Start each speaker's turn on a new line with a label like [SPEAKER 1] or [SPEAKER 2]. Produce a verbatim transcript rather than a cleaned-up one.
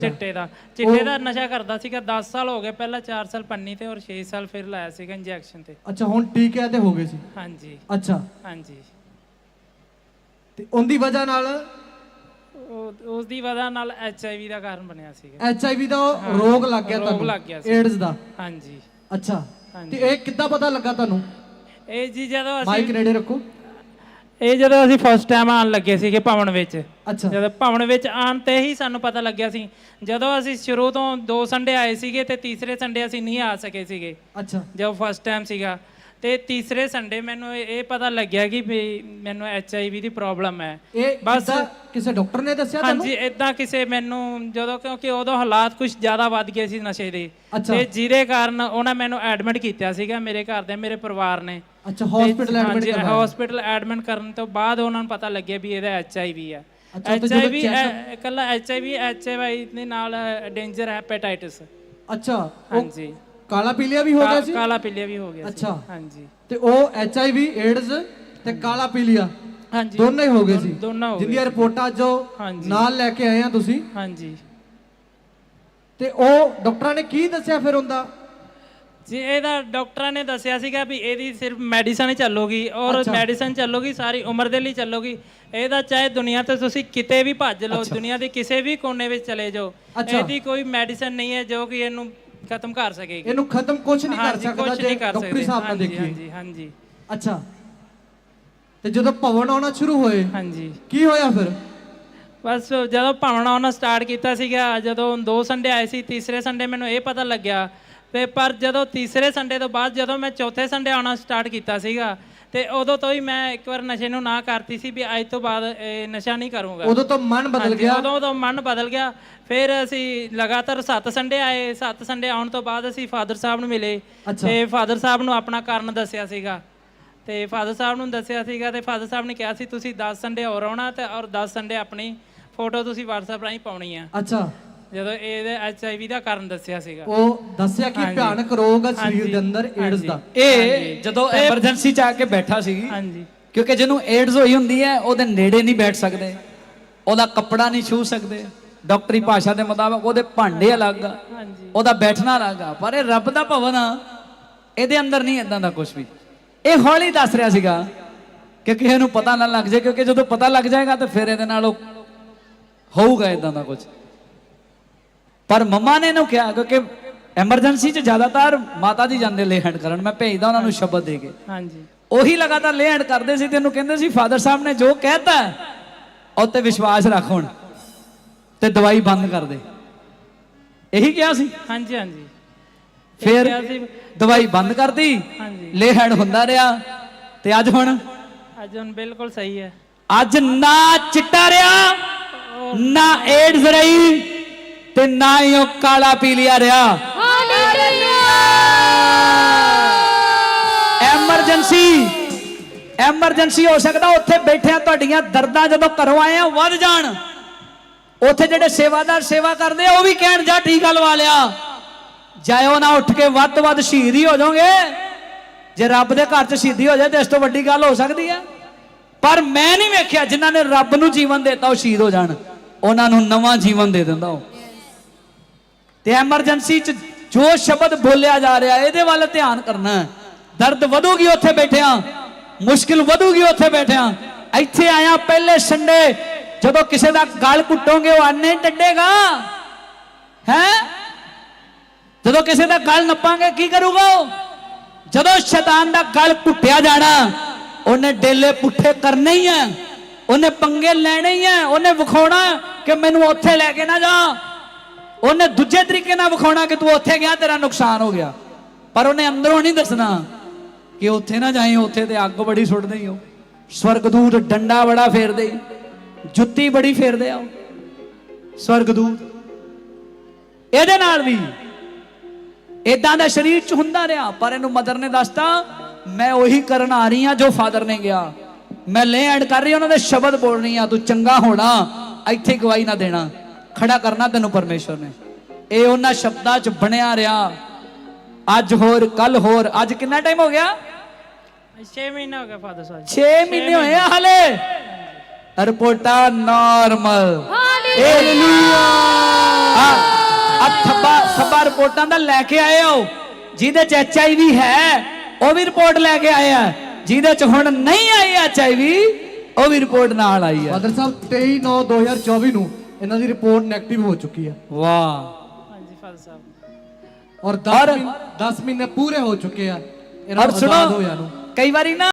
[SPEAKER 1] चिट्टे का चिट्टे का नशा करता सीगा दस साल हो गए पहला चार साल पन्नी ते और छे साल फिर लाया सीगा इंजैक्शन ते।
[SPEAKER 2] अच्छा हुण ठीक है ते हो गए सी।
[SPEAKER 1] हाँ जी
[SPEAKER 2] अच्छा
[SPEAKER 1] हाँ जी
[SPEAKER 2] ते उनदी वजह नाल
[SPEAKER 1] उस दी वजह नाल एच आई वी का कारण बनया सीगा।
[SPEAKER 2] एच आई वी का रोग लग गया
[SPEAKER 1] रोग लग गया
[SPEAKER 2] एड्स दा।
[SPEAKER 1] हाँ जी
[SPEAKER 2] अच्छा ते ये किद्दां पता लगा तुहानू?
[SPEAKER 1] ਇਹ ਜੀ ਜਦੋਂ
[SPEAKER 2] ਮਾਈਕ
[SPEAKER 1] ਅਸੀਂ
[SPEAKER 2] ਨੇੜੇ ਰੱਖੋ।
[SPEAKER 1] ਇਹ ਜਦੋਂ ਅਸੀਂ ਫਸਟ ਟਾਈਮ ਆਉਣ ਲੱਗੇ ਸੀਗੇ ਭਵਨ ਵਿੱਚ।
[SPEAKER 2] ਅੱਛਾ
[SPEAKER 1] ਜਦੋਂ ਭਵਨ ਵਿੱਚ ਆਉਣ ਤੇ ਹੀ ਸਾਨੂੰ ਪਤਾ ਲੱਗਿਆ ਸੀ। ਜਦੋਂ ਅਸੀਂ ਸ਼ੁਰੂ ਤੋਂ ਦੋ ਸੰਡੇ ਆਏ ਸੀਗੇ ਤੇ ਤੀਸਰੇ ਸੰਡੇ ਅਸੀਂ ਨਹੀਂ ਆ ਸਕੇ ਸੀਗੇ।
[SPEAKER 2] ਅੱਛਾ
[SPEAKER 1] ਜਦੋਂ ਫਸਟ ਟਾਈਮ ਸੀਗਾ ਤੇ ਤੀਸਰੇ ਸੰਡੇ ਮੈਨੂੰ ਇਹ ਪਤਾ ਲੱਗਿਆ ਕਿ ਵੀ ਮੈਨੂੰ H I we the problem ਹੈ।
[SPEAKER 2] ਇਹ
[SPEAKER 1] ਬਸ
[SPEAKER 2] ਕਿਸੇ ਡਾਕਟਰ ਨੇ ਦੱਸਿਆ ਤੁਹਾਨੂੰ?
[SPEAKER 1] ਹਾਂਜੀ ਇਦਾਂ ਕਿਸੇ ਮੈਨੂੰ ਜਦੋਂ ਕਿਉਂਕਿ ਉਦੋਂ ਹਾਲਾਤ ਕੁਝ ਜ਼ਿਆਦਾ ਵੱਧ ਗਏ ਸੀ ਨਸ਼ੇ ਦੇ
[SPEAKER 2] ਤੇ
[SPEAKER 1] ਜਿਹਦੇ ਕਾਰਨ ਉਹਨਾਂ ਮੈਨੂੰ ਐਡਮਿਟ ਕੀਤਾ ਸੀਗਾ ਮੇਰੇ ਘਰ ਦੇ ਮੇਰੇ ਪਰਿਵਾਰ ਨੇ।
[SPEAKER 2] ਅੱਛਾ ਹਸਪੀਟਲ ਐਡਮਿਟ ਕਰਵਾਇਆ?
[SPEAKER 1] ਹਸਪੀਟਲ ਐਡਮਿਟ ਕਰਨ ਤੋਂ ਬਾਅਦ ਉਹਨਾਂ ਨੂੰ ਪਤਾ ਲੱਗਿਆ ਵੀ ਇਹਦਾ ਐਚ ਆਈ ਵੀ ਹੈ। ਐਚ ਆਈ ਵੀ ਇਕੱਲਾ H I V H I ਵੀ ਦੇ ਨਾਲ ਡੇਂਜਰ ਹੈਪੇਟਾਈਟਸ।
[SPEAKER 2] ਅੱਛਾ
[SPEAKER 1] ਹਾਂਜੀ
[SPEAKER 2] ਕਾਲਾ ਪੀਲੀਆ ਵੀ ਹੋ ਗਿਆ ਸੀ?
[SPEAKER 1] ਕਾਲਾ ਪੀਲੀਆ ਵੀ ਹੋ ਗਿਆ ਸੀ।
[SPEAKER 2] ਅੱਛਾ
[SPEAKER 1] ਹਾਂਜੀ
[SPEAKER 2] ਤੇ ਉਹ ਐਚ ਆਈ ਵੀ ਏਡਜ਼ ਤੇ ਕਾਲਾ ਪੀਲੀਆ
[SPEAKER 1] ਹਾਂਜੀ
[SPEAKER 2] ਦੋਨੋਂ ਹੀ ਹੋ ਗਏ ਸੀ?
[SPEAKER 1] ਦੋਨੋਂ ਹੋ ਗਏ।
[SPEAKER 2] ਜਿੰਦੀਆਂ ਰਿਪੋਰਟਾਂ ਜੋ ਨਾਲ ਲੈ ਕੇ ਆਏ ਆ ਤੁਸੀਂ?
[SPEAKER 1] ਹਾਂਜੀ
[SPEAKER 2] ਤੇ ਉਹ ਡਾਕਟਰਾਂ ਨੇ ਕੀ ਦੱਸਿਆ ਫਿਰ ਹੁੰਦਾ?
[SPEAKER 1] ਜੀ ਇਹਦਾ ਡਾਕਟਰਾਂ ਨੇ ਦੱਸਿਆ ਸੀਗਾ ਵੀ ਇਹਦੀ ਸਿਰਫ ਮੈਡੀਸਨ ਹੀ ਚੱਲੂਗੀ ਔਰ ਮੈਡੀਸਨ ਚੱਲੂਗੀ ਸਾਰੀ ਉਮਰ ਦੇ ਲਈ ਚੱਲੂਗੀ। ਇਹਦਾ ਚਾਹੇ ਦੁਨੀਆ ਤੇ ਤੁਸੀਂ ਕਿਤੇ ਵੀ ਭੱਜ ਲਓ ਦੁਨੀਆ ਦੇ ਕਿਸੇ ਵੀ ਕੋਨੇ ਵਿੱਚ ਚਲੇ ਜਾਓ ਇਹਦੀ ਕੋਈ ਮੈਡੀਸਨ ਨਹੀਂ ਹੈ ਜੋ ਕਿ ਇਹਨੂੰ ਖਤਮ ਕਰ ਸਕੇਗੀ।
[SPEAKER 2] ਇਹਨੂੰ ਖਤਮ ਕੁਝ ਨਹੀਂ ਕਰ ਸਕਦਾ ਜੇ
[SPEAKER 1] ਡਾਕਟਰੀ
[SPEAKER 2] ਸਾਹਿਬ ਨਾਲ ਦੇਖੀਏ।
[SPEAKER 1] ਹਾਂਜੀ ਹਾਂਜੀ
[SPEAKER 2] ਅੱਛਾ ਤੇ ਜਦੋਂ ਭਵਨ ਆਉਣਾ ਸ਼ੁਰੂ ਹੋਏ
[SPEAKER 1] ਹਾਂਜੀ
[SPEAKER 2] ਕੀ ਹੋਇਆ ਫਿਰ?
[SPEAKER 1] ਬਸ ਜਦੋਂ ਭਵਨ ਆਉਣਾ ਸਟਾਰਟ ਕੀਤਾ ਸੀਗਾ ਜਦੋਂ ਦੋ ਸੰਡੇ ਆਏ ਸੀ ਤੀਸਰੇ ਸੰਡੇ ਮੈਨੂੰ ਇਹ ਪਤਾ ਲੱਗਿਆ ਤੇ ਪਰ ਜਦੋਂ ਤੀਸਰੇ ਸੰਡੇ ਤੋਂ ਬਾਅਦ ਜਦੋਂ ਮੈਂ ਚੌਥੇ ਸੰਡੇ ਆਉਣਾ ਸਟਾਰਟ ਕੀਤਾ ਸੀਗਾ ਤੇ ਉਦੋਂ ਤੋਂ ਹੀ ਮੈਂ ਇੱਕ ਵਾਰ ਨਸ਼ੇ ਨੂੰ ਨਾ ਕਰਤੀ ਸੀ ਵੀ ਅੱਜ ਤੋਂ ਬਾਅਦ ਇਹ ਨਸ਼ਾ ਨਹੀਂ ਕਰੂੰਗਾ।
[SPEAKER 2] ਉਦੋਂ ਤੋਂ ਮਨ ਬਦਲ ਗਿਆ?
[SPEAKER 1] ਉਦੋਂ ਤੋਂ ਮਨ ਬਦਲ ਗਿਆ। ਫਿਰ ਅਸੀਂ ਲਗਾਤਾਰ ਸੱਤ ਸੰਡੇ ਆਏ। ਸੱਤ ਸੰਡੇ ਆਉਣ ਤੋਂ ਬਾਅਦ ਅਸੀਂ ਫਾਦਰ ਸਾਹਿਬ ਨੂੰ ਮਿਲੇ ਤੇ ਫਾਦਰ ਸਾਹਿਬ ਨੂੰ ਆਪਣਾ ਕਾਰਨ ਦੱਸਿਆ ਸੀਗਾ ਤੇ ਫਾਦਰ ਸਾਹਿਬ ਨੂੰ ਦੱਸਿਆ ਸੀਗਾ ਤੇ ਫਾਦਰ ਸਾਹਿਬ ਨੇ ਕਿਹਾ ਸੀ ਤੁਸੀਂ ਦਸ ਸੰਡੇ ਹੋਰ ਆਉਣਾ ਤੇ ਔਰ ਦਸ ਸੰਡੇ ਆਪਣੀ ਫੋਟੋ ਤੁਸੀਂ WhatsApp ਰਾਹੀਂ ਪਾਉਣੀ ਆ।
[SPEAKER 2] ਅੱਛਾ
[SPEAKER 1] ਜਦੋਂ ਇਹਦੇ ਐਚ ਆਈ ਵੀ ਦਾ ਕਾਰਨ ਦੱਸਿਆ ਸੀਗਾ
[SPEAKER 2] ਉਹ ਦੱਸਿਆ ਕਿ ਭਿਆਨਕ ਰੋਗ ਹੈ ਸਰੀਰ ਦੇ ਅੰਦਰ ਏਡਜ਼ ਦਾ।
[SPEAKER 3] ਇਹ ਜਦੋਂ ਐਮਰਜੈਂਸੀ ਚ ਆ ਕੇ ਬੈਠਾ ਸੀ
[SPEAKER 1] ਹਾਂਜੀ
[SPEAKER 3] ਕਿਉਂਕਿ ਜਿਹਨੂੰ ਏਡਜ਼ ਹੋਈ ਹੁੰਦੀ ਹੈ ਉਹਦੇ ਨੇੜੇ ਨਹੀਂ ਬੈਠ ਸਕਦੇ ਉਹਦਾ ਕੱਪੜਾ ਨਹੀਂ ਛੂ ਸਕਦੇ ਡਾਕਟਰੀ ਭਾਸ਼ਾ ਦੇ ਮੁਤਾਬਕ ਉਹਦੇ ਭਾਂਡੇ ਅਲੱਗ ਆ ਉਹਦਾ ਬੈਠਣਾ ਅਲੱਗ ਆ ਪਰ ਇਹ ਰੱਬ ਦਾ ਭਵਨ ਆ ਇਹਦੇ ਅੰਦਰ ਨਹੀਂ ਇਦਾਂ ਦਾ ਕੁਝ ਵੀ। ਇਹ ਹੌਲੀ ਦੱਸ ਰਿਹਾ ਸੀਗਾ ਕਿ ਕਿਸੇ ਨੂੰ ਪਤਾ ਨਾ ਲੱਗ ਜਾਏ ਕਿਉਂਕਿ ਜਦੋਂ ਪਤਾ ਲੱਗ ਜਾਏਗਾ ਤਾਂ ਫਿਰ ਇਹਦੇ ਨਾਲ ਹੋਊਗਾ ਇਦਾਂ ਦਾ ਕੁਝ। ਪਰ ਮੰਮਾ ਨੇ ਇਹਨੂੰ ਕਿਹਾ ਕਿਉਂਕਿ ਐਮਰਜੈਂਸੀ ਚ ਜ਼ਿਆਦਾਤਰ ਮਾਤਾ ਜੀ ਜਾਂਦੇ ਲੇ ਹੈਂਡ ਕਰਨ ਮੈਂ ਭੇਜਦਾ ਉਹਨਾਂ ਨੂੰ ਸ਼ਬਦ ਦੇ ਕੇ
[SPEAKER 1] ਹਾਂਜੀ
[SPEAKER 3] ਉਹੀ ਲਗਾਤਾਰ ਲੇ ਹੈਂਡ ਕਰਦੇ ਸੀ ਤੇ ਇਹਨੂੰ ਕਹਿੰਦੇ ਸੀ ਫਾਦਰ ਸਾਹਿਬ ਨੇ ਜੋ ਕਹਿਤਾ ਉਹ ਤੇ ਵਿਸ਼ਵਾਸ ਰੱਖ ਹੁਣ ਤੇ ਦਵਾਈ ਬੰਦ ਕਰ ਦੇ ਇਹੀ ਕਿਹਾ ਸੀ।
[SPEAKER 1] ਹਾਂਜੀ ਹਾਂਜੀ
[SPEAKER 3] ਫਿਰ ਦਵਾਈ ਬੰਦ ਕਰਤੀ ਲੇ ਹੈਂਡ ਹੁੰਦਾ ਰਿਹਾ ਤੇ ਅੱਜ ਹੁਣ
[SPEAKER 1] ਅੱਜ ਹੁਣ ਬਿਲਕੁਲ ਸਹੀ ਹੈ।
[SPEAKER 3] ਅੱਜ ਨਾ ਚਿੱਟਾ ਰਿਹਾ ਨਾ ਏਡਜ਼ ਰਹੀ ਤੇ ਨਾ ਹੀ ਉਹ ਕਾਲਾ ਪੀਲੀਆ ਰਿਹਾ। ਐਮਰਜੈਂਸੀ ਐਮਰਜੈਂਸੀ ਹੋ ਸਕਦਾ ਉੱਥੇ ਬੈਠਿਆਂ ਤੁਹਾਡੀਆਂ ਦਰਦਾਂ ਜਦੋਂ ਘਰੋਂ ਆਏ ਆ ਵੱਧ ਜਾਣ ਉੱਥੇ ਜਿਹੜੇ ਸੇਵਾਦਾਰ ਸੇਵਾ ਕਰਦੇ ਆ ਉਹ ਵੀ ਕਹਿਣ ਜਾ ਟੀਕਾ ਲਵਾ ਲਿਆ ਜਾਇਓ ਨਾ ਉੱਠ ਕੇ ਵੱਧ ਤੋਂ ਵੱਧ ਸ਼ਹੀਦ ਹੀ ਹੋ ਜਾਓਗੇ। ਜੇ ਰੱਬ ਦੇ ਘਰ ਚ ਸ਼ਹੀਦੀ ਹੋ ਜਾਏ ਤੇ ਇਸ ਤੋਂ ਵੱਡੀ ਗੱਲ ਹੋ ਸਕਦੀ ਹੈ। ਪਰ ਮੈਂ ਨਹੀਂ ਵੇਖਿਆ ਜਿਨ੍ਹਾਂ ਨੇ ਰੱਬ ਨੂੰ ਜੀਵਨ ਦਿੱਤਾ ਉਹ ਸ਼ਹੀਦ ਹੋ ਜਾਣ ਉਹਨਾਂ ਨੂੰ ਨਵਾਂ ਜੀਵਨ ਦੇ ਦਿੰਦਾ ਉਹ। ਤੇ ਐਮਰਜੈਂਸੀ ਚ ਜੋ ਸ਼ਬਦ ਬੋਲਿਆ ਜਾ ਰਿਹਾ ਇਹਦੇ ਵੱਲ ਧਿਆਨ ਕਰਨਾ। ਦਰਦ ਵਧੂਗੀ ਉੱਥੇ ਬੈਠਿਆਂ ਮੁਸ਼ਕਿਲ ਵਧੂਗੀ ਉੱਥੇ ਬੈਠਿਆਂ। ਇੱਥੇ ਆਇਆ ਪਹਿਲੇ ਸੰਡੇ ਜਦੋਂ ਕਿਸੇ ਦਾ ਗਲ ਕੁੱਟੋਗੇ ਉਹ ਆਨੇ ਟੱਡੇਗਾ ਹੈ। ਜਦੋਂ ਕਿਸੇ ਦਾ ਗਲ ਨੱਪਾਂਗੇ ਕੀ ਕਰੂਗਾ ਉਹ? ਜਦੋਂ ਸ਼ੈਤਾਨ ਦਾ ਗਲ ਕੁੱਟਿਆ ਜਾਣਾ ਉਹਨੇ ਡੇਲੇ ਪੁੱਠੇ ਕਰਨੇ ਹੀ ਆ ਉਹਨੇ ਪੰਗੇ ਲੈਣੇ ਹੀ ਆ ਉਹਨੇ ਵਿਖਾਉਣਾ ਕਿ ਮੈਨੂੰ ਉੱਥੇ ਲੈ ਕੇ ਨਾ ਜਾ। ਉਹਨੇ ਦੂਜੇ ਤਰੀਕੇ ਨਾਲ ਵਿਖਾਉਣਾ ਕਿ ਤੂੰ ਉੱਥੇ ਗਿਆ ਤੇਰਾ ਨੁਕਸਾਨ ਹੋ ਗਿਆ ਪਰ ਉਹਨੇ ਅੰਦਰੋਂ ਨਹੀਂ ਦੱਸਣਾ ਕਿ ਉੱਥੇ ਨਾ ਜਾਈਂ ਉੱਥੇ ਤੇ ਅੱਗ ਬੜੀ ਸੁੱਟਦੇ ਹੀ ਹੋ ਸਵਰਗਦੂਤ ਡੰਡਾ ਬੜਾ ਫੇਰਦੇ ਜੁੱਤੀ ਬੜੀ ਫੇਰਦੇ ਆ ਸਵਰਗਦੂਤ। ਇਹਦੇ ਨਾਲ ਵੀ ਇਦਾਂ ਦਾ ਸਰੀਰ ਚ ਹੁੰਦਾ ਰਿਹਾ ਪਰ ਇਹਨੂੰ ਮਦਰ ਨੇ ਦੱਸਤਾ ਮੈਂ ਉਹੀ ਕਰਨ ਆ ਰਹੀ ਹਾਂ ਜੋ ਫਾਦਰ ਨੇ ਗਿਆ। ਮੈਂ ਲੇ ਐਡ ਕਰ ਰਹੀ ਉਹਨਾਂ ਦੇ ਸ਼ਬਦ ਬੋਲ ਰਹੀ ਹਾਂ ਤੂੰ ਚੰਗਾ ਹੋਣਾ ਇੱਥੇ ਗਵਾਹੀ ਨਾ ਦੇਣਾ ਖੜਾ ਕਰਨਾ ਤੈਨੂੰ ਪਰਮੇਸ਼ਵਰ ਨੇ। ਇਹ ਉਹਨਾਂ ਸ਼ਬਦਾਂ ਚ ਬਣਿਆ ਰਿਹਾ ਅੱਜ ਹੋਰ ਕੱਲ ਹੋਰ। ਅੱਜ ਕਿੰਨਾ ਟਾਈਮ ਹੋ ਗਿਆ?
[SPEAKER 1] ਛੇ ਮਹੀਨੇ ਹੋ ਗਏ ਫਾਦਰ ਸਾਹਿਬ।
[SPEAKER 3] ਛੇ ਮਹੀਨੇ ਹੋਏ ਆ ਹਲੇ ਰਿਪੋਰਟਾਂ ਨਾਰਮਲ। ਹਾਲੇਲੂਇਆ। ਆ ਥੱਬਾ ਥੱਬਾ ਰਿਪੋਰਟਾਂ ਦਾ ਲੈ ਕੇ ਆਏ ਹੋ, ਜਿਹਦੇ ਚ ਐਚ ਆਈ ਵੀ ਹੈ ਉਹ ਵੀ ਰਿਪੋਰਟ ਲੈ ਕੇ ਆਏ ਆ, ਜਿਹਦੇ ਚ ਹੁਣ ਨਹੀਂ ਆਈ ਐਚ ਆਈ ਵੀ ਉਹ ਵੀ ਰਿਪੋਰਟ ਨਾਲ ਆਈ ਆ।
[SPEAKER 2] ਫਾਦਰ ਸਾਹਿਬ ਤੇਈ ਨੌ ਦੋ ਹਜ਼ਾਰ ਚੌਵੀ ਨੂੰ ਇਹਨਾਂ ਦੀ ਰਿਪੋਰਟ ਨੈਗੇਟਿਵ ਹੋ ਚੁੱਕੀ ਹੈ।
[SPEAKER 3] ਵਾਹ।
[SPEAKER 1] ਹਾਂਜੀ ਫਾਦਰ ਸਾਹਿਬ।
[SPEAKER 2] ਔਰ ਦਸ ਮਹੀਨੇ ਪੂਰੇ ਹੋ ਚੁੱਕੇ ਆ ਇਹਨਾਂ
[SPEAKER 3] ਔਰ
[SPEAKER 2] ਨੂੰ
[SPEAKER 3] ਸੁਣੋ
[SPEAKER 2] ਆਜ਼ਾਦ ਹੋਇਆ ਨੂੰ।
[SPEAKER 3] ਕਈ ਵਾਰੀ ਨਾ